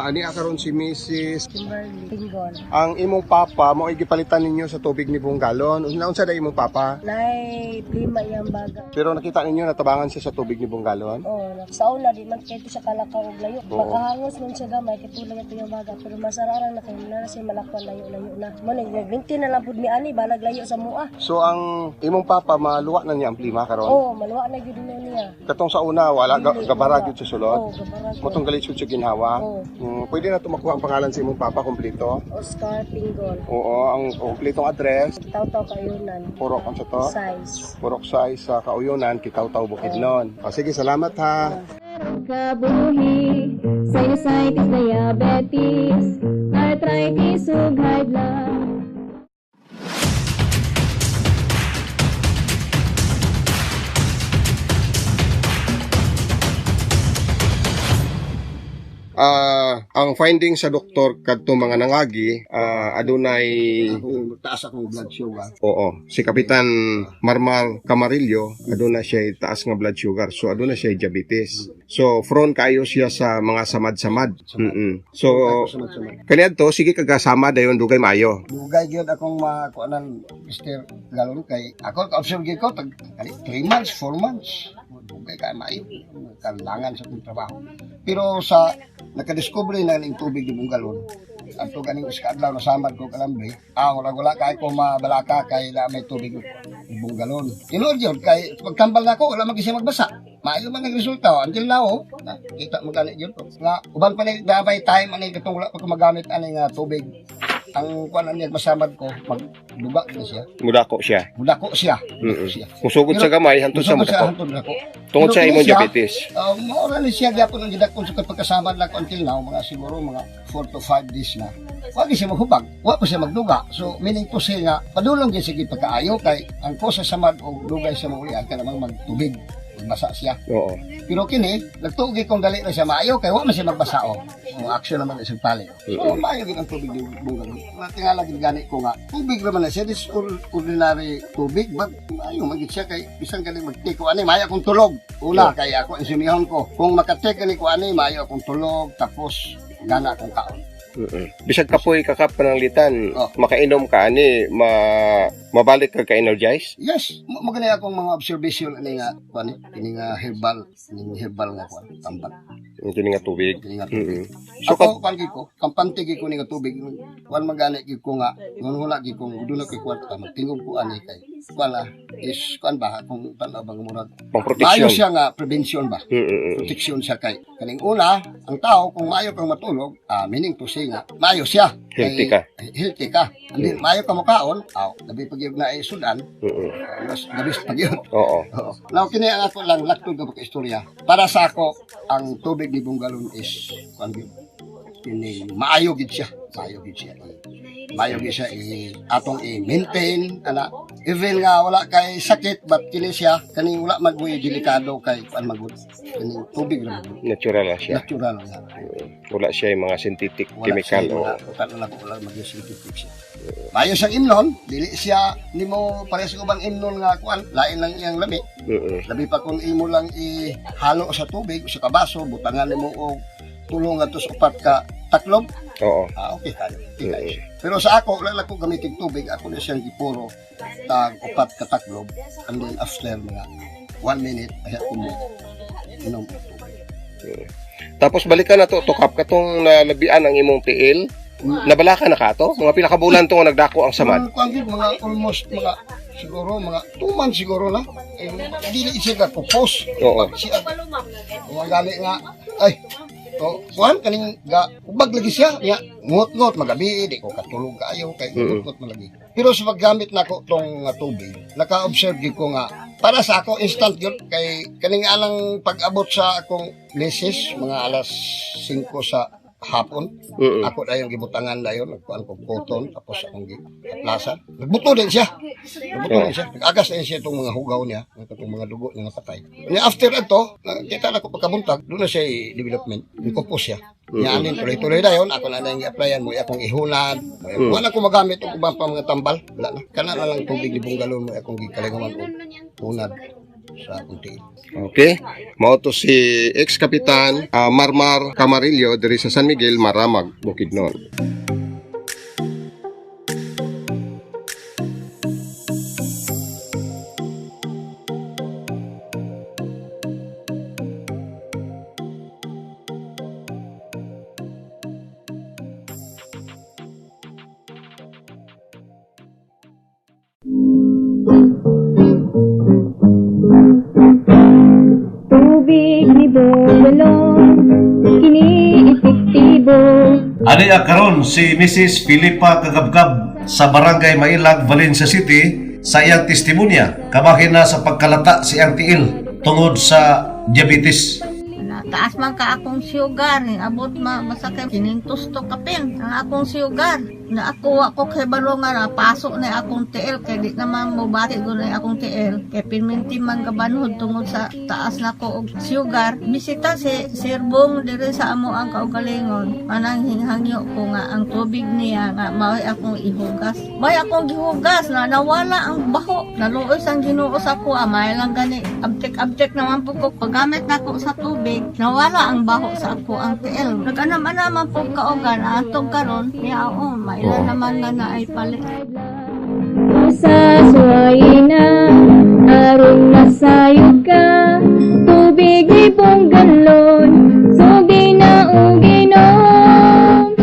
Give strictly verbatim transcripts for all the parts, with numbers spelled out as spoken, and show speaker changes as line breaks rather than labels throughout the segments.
Ah, ani akaron si Missus
Kimberly Tingol.
Ang imong papa mo ay gipalitan ninyo sa tubig ni buong galon. Unsa na imong papa?
Nay, lima yang baga.
Pero nakita ninyo natabangan siya sa tubig ni buong galon.
Oh, sa una di man kito siya kalakaw og layo.
Oo.
Makahangos man siya gamay kitulay ito yung baga pero masararang na kay na siya malakwan layo-layo na. Mo ning nagbinti na lang pud mi ani balag layo sa mua.
So ang imong papa maluwa na niya ang plima karon.
Oh, maluwa na gyud niya.
Katong sa una wala ga,
Dili,
gabara
wala.
gyud sa sulod.
Oh, gabara.
Motong galit siya ginhawa.
Oh.
Mm, pwede na tumakuha ang pangalan sa imong papa kompleto.
Oscar Tingol.
Oo, ang kompletong address.
Taw-taw kayunan.
Purok ang sa to.
Size.
Purok size sa Kauyunan, Kitaw-Taw, Bukidnon. O sige, salamat ha.
Kabuhi, sinusitis, diabetes, arthritis, ug high blood.
Ah, ang finding sa doktor kadto mga nangagi, ah, adunay taas akong blood sugar. Oo, si Kapitan Marmar Camarillo aduna siya taas nga blood sugar. So aduna siya diabetes. So prone kayo siya sa mga samad-samad. Mm. So kaniadto sige kagasama dayon dugay maayo.
Dugay gyud akong makuanan mister Galon kay ako ka-observe gyud ko tag three months, four months. Dugay kay maayo. Kalangan sa akong trabaho. Pero sa nakadiscover na ning tubig di Bungalon. Adto ganing iska adlaw nasamad ko kalambre. Ah, wala wala kay ko mabalaka kay na may tubig di Bungalon. Tinuod gyud kay pagtambal nako wala magisi magbasa. Maayo man ang resulta until now. Oh, kita mo gani gyud ko. Nga uban pa ni dabay time ani katong wala pa ko magamit ani nga tubig. Ang kuan niya masamad ko magduga na siya.
Mudako siya.
Mudako siya.
Mm.
siya.
Musugod sa gamay hantod sa
Musugod sa
mudako.
hantod nako.
Tungod sa
Pero
imong
siya,
diabetes.
Uh, maura ni siya gyapon ang gidakon sa pagkasamad na ko until now mga siguro mga four to five days na. Wa gyud siya maghubag, wa pa siya magduga. So meaning to say nga padulong gyud sige pagkaayo kay ang ko sa samad og dugay sa maulian ka namang magtubig. Magbasa siya.
Oo.
Pero kini nagtuog kong dali na siya maayo kay wa man siya magbasa o. Ang action naman isang pali. So maayo gid ang tubig di bunga. Tingala gid gani ko nga. Tubig naman na siya this ordinary tubig but maayo magit siya kay bisan galing magtake ko ani maayo akong tulog. Una kay ako insunihon ko. Kung makatake ni ko ani maayo akong tulog tapos gana akong kaon.
Mm. Bisag kapoy kakap pananglitan,
Oh.
makainom ka ani ma mabalik ka ka-energize.
Yes, mo gani akong mga observation ani nga kuan ini nga herbal, ini herbal nga kuan tambak.
Ang kini nga tubig.
Ini nga
Mm.
tubig.
So
Ako kan ko, kampante gi ko ni nga tubig. Kuan magani gi ko nga ngunhuna gi ko dulo kay kwarta magtingog ko ani kay. Kuan la is kuan ba kung tanaw bang murag.
pang
Maayo
protection.
siya nga prevention ba?
Mm.
Protection siya kay kaning una, ang tao kung maayo kang matulog, ah, meaning to say nga maayo siya.
Healthy
Kay-
ka.
Healthy ka. Hindi maayo ka mukaon, aw, labi pag yun na ay sudan,
Mm.
mas labis pag yun.
Oo.
Oo. Now, kini ang ako lang laktod ka istorya. Para sa ako, ang tubig ni Bungalon is, kuan gyud, kini maayo gid siya. Maayo gid siya. Maayo gid siya i atong i-maintain ana. Even nga wala kay sakit but kini siya kani wala magbuy delikado kay kuan magud. Kini tubig lang magud.
Natural na siya.
Natural nga.
Wala siya yung mga synthetic
Wala
chemical
siya,
o
wala, wala, wala, wala mag-synthetic siya. Maayo siyang imnon, dili siya nimo parehas ko bang imnon nga kuan, lain lang iyang lami.
Mm.
Labi pa kung imo lang ihalo sa tubig sa kabaso, butangan nimo og tulong ato sa upat ka taklob.
Oo.
Ah, okay kayo. Okay kayo siya. Pero sa ako, wala lang ko gamitin tubig, ako na siyang gipuro tag upat ka taklob. And then after mga one minute, ay ako mo inom og tubig.
Tapos balikan na to, tukap katong nalabian ang imong tiil. Nabala ka na ka to? Mga pinakabulan to nga nagdako ang samad.
Kung ang mga almost mga siguro mga two months siguro na. Eh, hindi na isip ka pupos.
Oo.
Siya, mga gali nga, ay, to, kuhan, kaning, ga, ubag lagi siya, nga, ngot-ngot, magabi, di ko katulog kayo, kay
Mm-mm.
ngot-ngot malagi. Pero sa paggamit na ko tong nga tubig, naka-observe gyud ko nga, para sa ako, instant yun, kay, kaning alang pag-abot sa akong leses, mga alas singko sa hapon,
Mm-mm.
ako na yung gibutangan na yun, nagkuhan ko cotton, tapos akong giplasan. Nagbuto din siya. Nagbuto din siya. Nag-agas din siya itong mga hugaw niya, itong mga dugo niya nga patay. And after ito, nakita na ko pagkabuntag, doon na siya i-development. Nagkupos siya. Yan din, tuloy-tuloy na yun. Ako na na yung i-applyan mo, akong ihunad.
Mm.
Wala ko magamit ang ubang pa mga tambal. Wala na. Kana na lang tubig ni Bungalon mo, akong gikalingaman o hunad. sa kunti.
Okay? Mao to si ex-kapitan ah, Marmar Camarillo diri sa San Miguel, Maramag, Bukidnon.
Tubig ni Bonggalong, kini epektibo.
Ani karon si Missus Filipa Kagabgab sa Barangay Mailag, Valencia City sa iyang testimonya kabahin na sa pagkalata si ang tiil tungod sa diabetes.
Taas man ka akong sugar, abot ma masakay kinintos to kapin ang akong sugar. Na ako ako kay balongan na pasok na akong T L kay di naman mo bati ko na akong T L kay pinminti man gabanhod tungod sa taas na ko og sugar. Bisita si Sirbong dire sa amo ang kaugalingon. Manang hinghangyo ko nga ang tubig niya nga mao akong ihugas. May akong gihugas na nawala ang baho. Naluoy sang Ginoo sa ko amay lang gani abtek-abtek naman po ko paggamit nako sa tubig. Nawala ang baho sa ako ang T L. Nag-anam-anaman po kaugan atong karon niya o may ilan naman nga na ay palit.
Sa suwayna, aron nasayod ka. Tubig ni Bonggalon, sugi na uginom.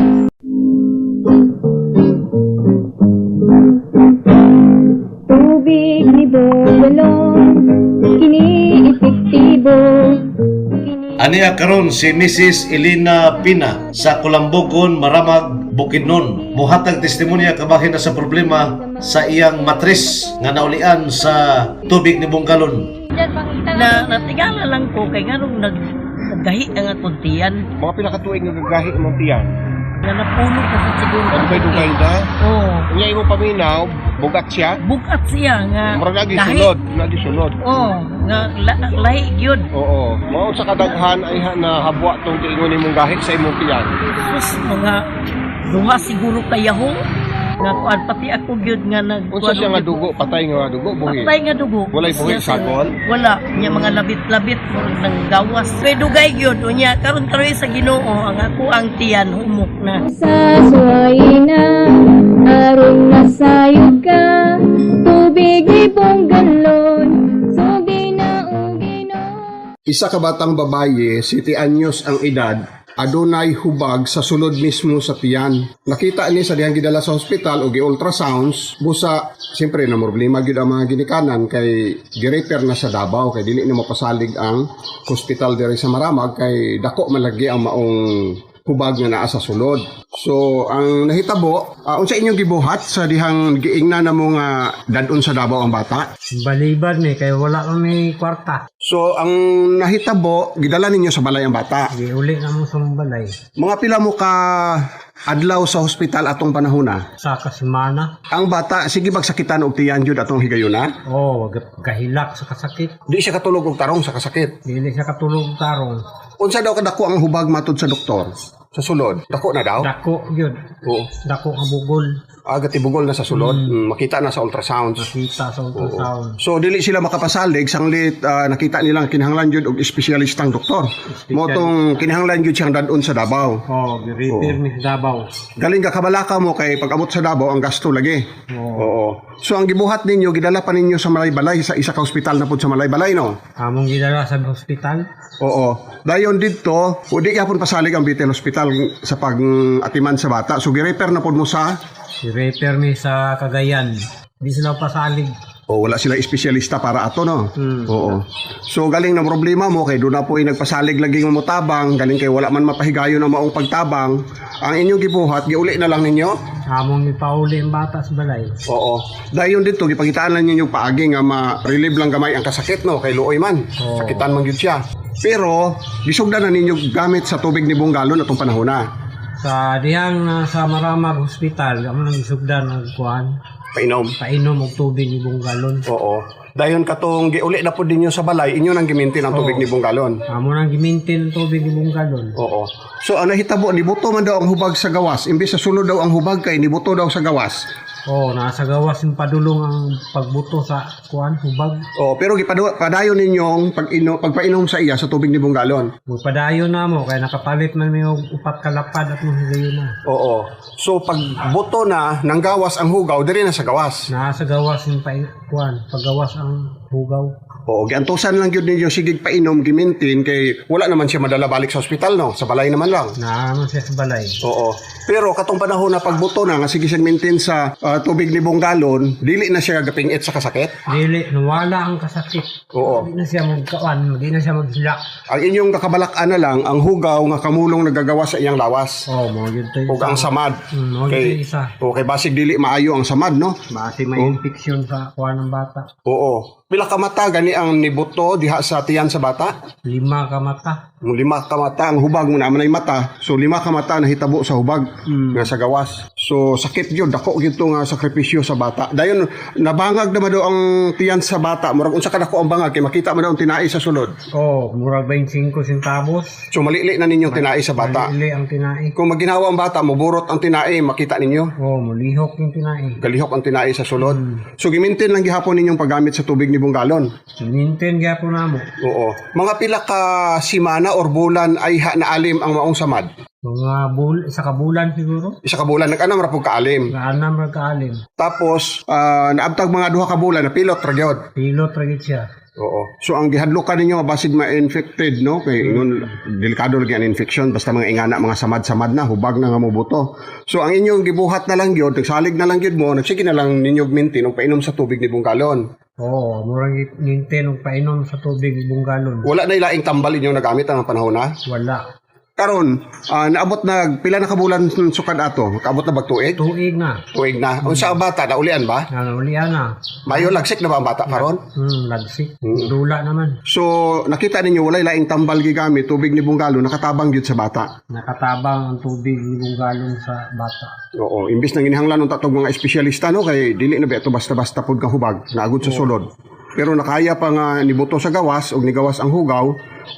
Tubig ni Bonggalon, kini epektibo.
Ani karon si Missus Elena Pina sa Kulambogon, Maramag, Bukidnon muhatag testimonya kabahin na sa problema sa iyang matris nga naulian sa tubig ni Bonggalon.
Na natigala lang ko kay nganong nag naggahi ang akong tiyan
Mga pinakatuig nga gagahi mong tiyan.
nga napuno ka sa segundo.
Dugay-dugay na.
Oo.
Unya imong paminaw, bugat siya.
Bukat siya nga
Mura lagi
gahi.
sulod, lagi sulod.
Oo, nga la, lahi gyud.
Oo. Mao sa kadaghan ay ha- na habwa tong tiingon imong gahi sa imong tiyan.
Sus mga duha siguro kayaho nga kuan pati ako gyud nga nag
Unsa siya nga dugo, patay nga dugo, buhi.
Patay nga dugo.
Walay buhi,
Siya sa-
sagol?
Wala, nya mga labit-labit murag nang gawas. Kay dugay gyud unya karon karon sa Ginoo ang ako ang tiyan humok na.
Sa suwayna, aron nasayod ka. Tubig ni Bonggalon, sugi na uginom.
Isa ka batang babaye, siti anyos ang edad, adunay hubag sa sulod mismo sa tiyan. Nakita ni sa diyang gidala sa hospital o gi-ultrasounds, busa, siyempre na problema gyud ang mga ginikanan kay gi-repair na sa Davao kay dili na mapasalig ang hospital diri sa Maramag kay dako malagi ang maong hubag nga naa sa sulod. So, ang nahitabo, uh, unsa inyong gibuhat sa dihang giingna na mo nga dadon sa Davao ang bata?
Baliban ni kay wala kami kwarta.
So, ang nahitabo, gidala ninyo sa balay ang bata.
Di uli na mo sa balay.
Mga pila mo ka adlaw sa hospital atong panahona.
Sa kasimana.
Ang bata, sige magsakitan og tiyan jud atong higayuna.
Oh, wag kahilak sa kasakit.
Di siya katulog og tarong sa kasakit.
Dili siya katulog tarong.
Unsa daw kadako ang hubag matud sa doktor? Sa sulod. Dako na daw?
Dako yun.
Oo.
Dako nga bugol.
Aga tibugol na sa sulod. Mm, makita na sa ultrasounds.
Kita sa ultrasound.
So dili sila makapasalig sanglit ah, nakita nilang kinahanglan jud og espesyalistang doktor. Mo tong kinahanglan jud siyang dadon sa Davao.
Oh, repair ni Davao.
Galing ka kabalaka mo kay pag abot sa Davao ang gasto lagi.
Oh.
Oo. So ang gibuhat ninyo gidala pa ninyo sa Malaybalay sa isa ka ospital na pud sa Malaybalay no.
Among gidala sa hospital.
Oo. Dayon didto, udi gyapon pasalig ang Bitel Hospital sa pag-atiman sa bata. So gi-repair na pud mo sa
I-repair ni sa Cagayan. Di sila pasalig.
o wala sila espesyalista para ato no.
Hmm.
Oo. So galing na problema mo kay do na po nagpasalig lagi mo tabang, galing kay wala man mapahigayo na maong pagtabang. Ang inyong gibuhat giuli na lang ninyo.
Among ipauli ang bata sa balay.
Oo. Dayon dito gipakitaan lang ninyo paagi nga ma-relieve lang gamay ang kasakit no kay luoy man.
Oo.
Sakitan man gyud siya. Pero gisugdan na ninyo gamit sa tubig ni Bonggalon atong panahona.
Sa dihang uh, sa Maramag Hospital, amo nang isugdan ang kuan.
Painom.
Painom og tubig ni Bonggalon.
Oo. Dayon katong giuli na pud ninyo sa balay, inyo nang gimintin ang tubig
Oo.
ni Bonggalon.
Amo nang gimintin ang tubig ni Bonggalon.
Oo. So ang nahitabo nibuto man daw ang hubag sa gawas, imbes sa sulod daw ang hubag kay nibuto daw sa gawas.
Oh, nasa gawas yung padulong ang pagbuto sa kuan hubag.
Oh, pero gipadu- padayon ninyong pag ino pagpainom sa iya sa tubig ni Bunggalon.
Magpadayon na mo kaya nakapalit man may upat kalapad at mahigayon na.
Oo. So pag buto na nang gawas ang hugaw, diri na sa gawas.
Nasa gawas yung pa kuan, paggawas ang hugaw.
Oo, giantusan lang gyud ninyo sigig painom gimintin kay wala naman siya madala balik sa ospital no, sa balay naman lang.
Naano siya sa balay.
Oo. Pero katong panahon na pagbuto na nga sige siyang maintain sa ah, tubig libong galon, dili na siya gapingit sa kasakit.
Dili, nawala ang kasakit.
Oo.
Hindi na siya magkawan, hindi na siya maghilak.
Ang inyong kakabalak-an na lang ang hugaw nga kamulong nagagawa sa iyang lawas.
Oh, mo yun to
Ug ang samad.
Hmm, mo yun
Kay
to isa.
okay, basig dili maayo ang samad no.
Base may
Oh.
infection sa kuan ng bata.
Oo. Pila ka mata gani ang nibuto diha sa tiyan sa bata?
Lima ka mata.
Mo lima ka mata ang hubag mo naman ay mata. So lima ka mata na hitabo sa hubag nga sa gawas. So sakit gyud dako gyud to nga sakripisyo sa bata. Dayon nabangag na daw ang tiyan sa bata. Murag unsa ka dako ang bangag kay makita mo daw ang tinai sa sulod.
Oh, murag twenty-five centavos.
So malili na ninyo tinai sa bata.
Ili ang tinai.
Kung maginawa ang bata, muburot ang tinai, makita ninyo.
Oh, mulihok yung tinai.
Galihok ang tinai sa sulod. So gimintin lang gihapon ninyong paggamit sa tubig ni Bunggalon.
Minten gyapon namo.
Oo. Mga pila ka simana or bulan ay ha na alim ang maong samad.
Mga bul isa ka bulan siguro.
Isa ka bulan nag-anam ra pug kaalim.
Gaanam ra kaalim.
Tapos ah, naabtag mga duha ka bulan na pilot ra gyud.
Pilot ra gid siya.
Oo. So ang gihadlokan ninyo basig ma-infected no kay ingon delikado lagi ang infection basta mga ingana mga samad-samad na hubag na nga mo buto. So ang inyong gibuhat na lang gyud, nagsalig na lang gyud mo, nagsige na lang ninyo mintin og painom sa tubig ni Bunggalon.
Oo, murang minten og painom sa tubig Bunggalon.
Wala na ilaing tambal inyong nagamit ang panahon na.
Wala.
Karon, ah, naabot na pila na kabulan sukad ato? Kaabot na bagtuig?
Tuig na.
Tuig na. Unsa ang bata naulian ba?
Nanaulian na.
Mayo lagsik na ba ang bata karon?
Hmm, lagsik. Dula naman.
So, nakita ninyo walay laing tambal gigamit tubig ni Bunggalon nakatabang gyud sa bata.
Nakatabang ang tubig ni Bunggalon sa bata.
Oo, imbis nang ginihanglan ng tatog mga espesyalista no kay dili na ba ito basta-basta pud ka hubag, naagod sa sulod. Pero nakaya pa nga nibuto sa gawas og nigawas ang hugaw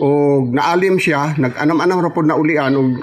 og naalim siya, nag-anam-anam ra pud na ulian og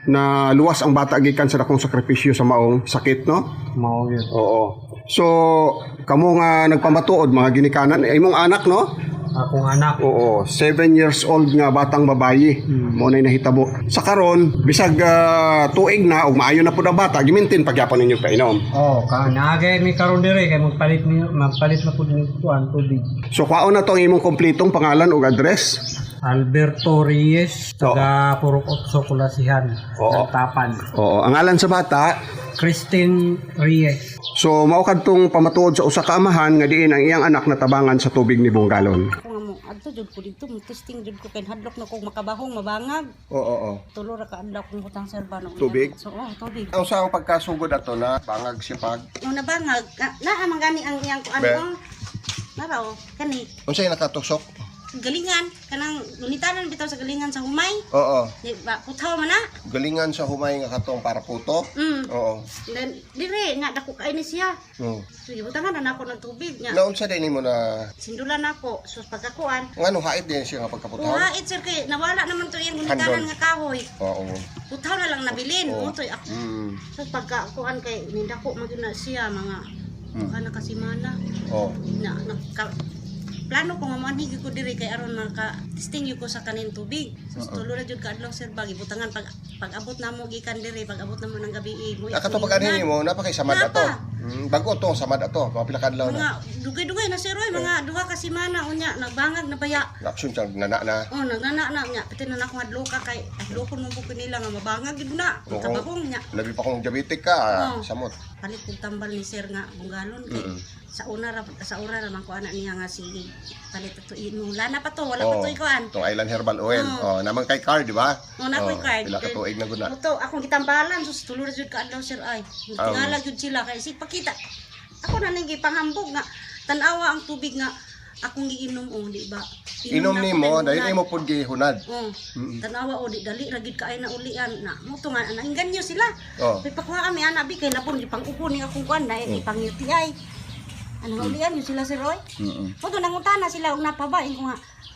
na luwas ang bata gikan sa dakong sakripisyo sa maong sakit no.
Mao yun.
Oo. So, kamo nga nagpamatuod mga ginikanan ay imong anak no?
Akong anak.
Oo, seven years old nga batang babayi. Mo na nahitabo. Sa karon, bisag ah, tuig na ug maayo na pud ang bata, gimintin pagyapon ninyo painom.
Oh, ka naagay mi karon dire kay magpalit ni magpalit na pud ni tuan tubig.
So kwaon na to ang imong kompletong pangalan ug address.
Alberto Reyes, taga Purok Otso, Kulasihan,
Oo.
Tapan.
Oo, ang ngalan sa bata.
Christine Reyes.
So mao kadtong pamatuod sa usa ka amahan nga diin ang iyang anak natabangan sa tubig ni Bunggalon.
Ako nga mo, adto jud ko dito, mo testing jud ko kay hadlok na kog makabahong mabangag.
Oo, oo.
Tulo ra ka adlaw kong butang serba no.
Tubig?
So, oh, tubig.
Ang sa ang pagkasugod ato na bangag sipag.
Yung nabangag, na, na man gani ang iyang kuan
Be.
mo. Nara o, kani
Unsay nakatusok?
galingan kanang lunitanan bitaw sa galingan sa humay.
Oo.
Di ba putaw man na?
Galingan sa humay nga katong para puto.
Mm.
Oo.
Then dire nga dako kay ni siya.
Hmm.
So gibutangan na nako ng tubig nga.
Naunsa din nimo na
Sindulan nako sus pagkakuan.
ngano hait din siya nga pagkaputaw?
Uhait sir kay nawala naman to iyang lunitanan
Handol.
nga kahoy.
Oo.
Putaw na lang nabilin.
Oo.
Mutoy ako.
Mm.
So pagkakuan kay nindako magud na siya mga
Hmm.
kana kasimana
Oo.
na, na ka, plano ko nga manhigi ko diri kay aron maka-testing yun ko sa kanin tubig. So
Oo.
tulo na jud ka adlaw sir bagi butangan pag pag-abot namo gikan diri pag-abot namo ng gabi mo.
Nakato pag ani mo napakay samad ato. Mm, bago to samad ato, mga pila ka adlaw
Mga
na.
dugay-dugay na sir oy mga duha ka semana unya nagbangag na baya.
Action siya nana na.
Oh nagnana na nya pati na nako adlaw ka kay adlaw ko mo buko nila nga mabangag gid na.
Oo.
Kabahong nya.
Labi pa kung diabetic ka, ah,
Oo.
samot.
Palit kong tambal ni sir nga bunggalon kay
Mm-mm.
sa una ra sa ura ra man ko ana niya nga sige palit to inula na pa to wala
Oo.
pa to ikuan.
Tong Island Herbal Oil.
Oo.
Oh, naman kay card, di ba?
Oh, na ko'y
Oo,
card.
Pila ka tuig na gud na.
Muto, akong gitambalan, sus tulo ra jud ka adlaw sir ay. Tingala jud sila kay sig pakita. Ako na ning gipangambog nga tan-awa ang tubig nga akong giinom o di ba?
Inom
na
ni
ako
mo,
kay
dahil
hunad.
imo pud gihunad.
Oh,
Mm-mm.
tan-awa o di dali ra gid kaay na ulian na. Muto nga nainganyo sila.
Oh.
Kay pakuha mi ana bi kay labon gipang-upo ni akong kuan na ipang-U T I. Ano ulian yun sila sir Roy?
Mm-mm.
Muto nangutana sila og napabain ko nga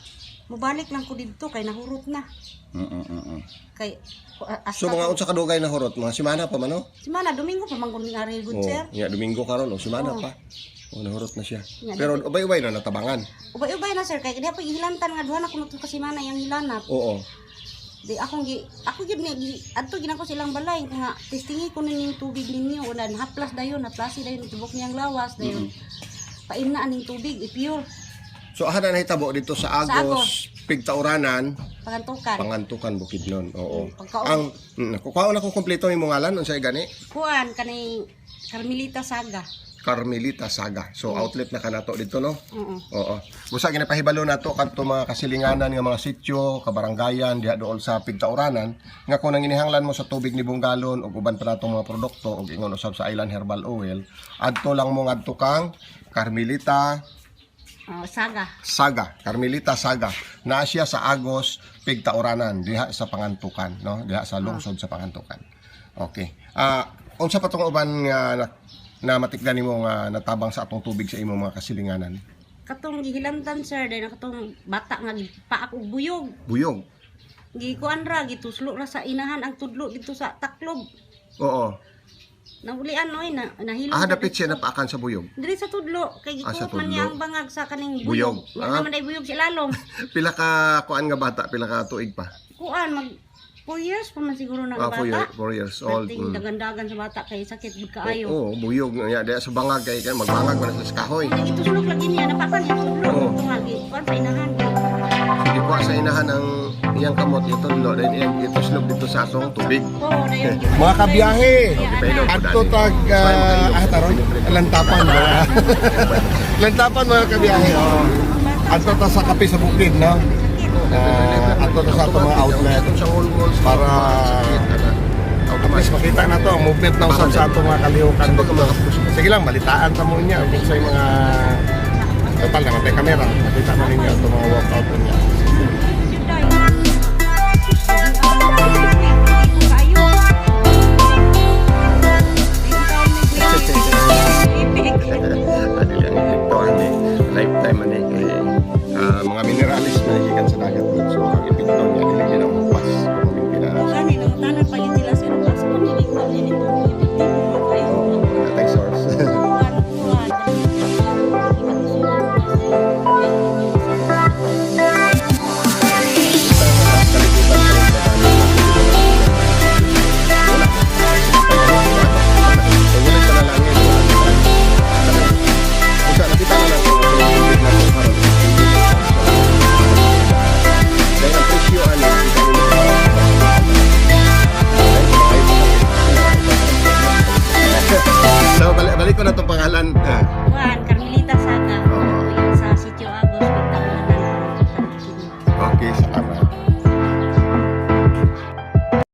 Mubalik lang ko dito kay nahurot na.
Mm, mm, mm, mm.
Kay uh,
So mga unsa kadugay na horot, mga simana pa man no?
Simana Domingo pa man ni ari good
Oh,
sir.
nya Domingo karon o simana
Oo.
pa. Oh, nahurot na siya.
Nya,
Pero ubay-ubay na natabangan.
Ubay-ubay na sir kay diha pa gihilantan nga duha na kuno ka simana yang hilanap.
Oo.
Di akong gi ako gid ni gi- adto gid ako silang balay nga testingi ko ning tubig ninyo unan haplas dayon haplasi dayon tubok niyang lawas dayon. Paimna aning tubig i-pure
So aha na nahitabo dito sa
Sa
Agos, Pigtauranan,
pangantukan.
Pangantukan, Bukidnon. Oo.
Pagka-
Ang mm, kukuha na ko kompleto imong ngalan unsay gani?
Kuan kanay Carmelita Saga.
Carmelita Saga. So outlet na kanato dito no.
Oo.
Oo. Busa ginapahibalo nato kadto mga kasilinganan nga mga sitio, kabaranggayan diha dool sa Pigtauranan nga kung nanginihanglan mo sa tubig ni Bunggalon ug uban pa natong mga produkto ug ingon usab sa Island Herbal Oil, adto lang mo ngadto kang Carmelita
Oh, Saga.
Saga, Carmelita Saga. Naa siya sa Agos, Pigtauranan, diha sa Pangantukan, no? Diha sa lungsod sa Pangantukan. Okay. Ah, unsa pa tong uban nga na, na matikdan nimo nga natabang sa atong tubig sa imong mga kasilinganan?
Katong gihilantan sir dahil katong bata nga gipaak og buyog.
Buyog.
Gikuan ra gituslo ra sa inahan ang tudlo dito sa taklob.
Oo.
Naulian oy na nahilo.
Ah, dapit siya napaakan sa buyog.
Diri sa tudlo kay
Ah, sa
gikuot man
tudlo.
niya ang bangag sa kaning
Buyog.
buyog. Nga
Ah.
naman ay buyog si lalong.
Pila ka kuan nga bata, pila ka tuig pa?
Kuan mag four years pa man siguro na
Ah,
ang
four, year,
bata.
four years old.
Dating
Mm.
dagan-dagan sa bata kay sakit bud kaayo.
Oo, buyog nga diha sa bangag kay kay magbangag man sa kahoy.
Nang itusulok lagi niya napakan itudlo.
Oo.
Tungagi kuan sa inahan.
Sige po sa inahan ang iyang kamot itudlo then iyang ituslog dito sa atong tubig.
Oo, dayon.
Mga kabiyahe, adto tag uh, ah taron lantapan ba? Lantapan mga kabiyahe. Oh. Adto ta sa kape sa bukid no. Uh, adto ta sa atong mga outlet para at least makita na to ang movement ng usab sa atong mga kalihukan dito. Sige lang balitaan ta mo niya kung sa mga total na may kamera makita na ninyo itong mga workout niya.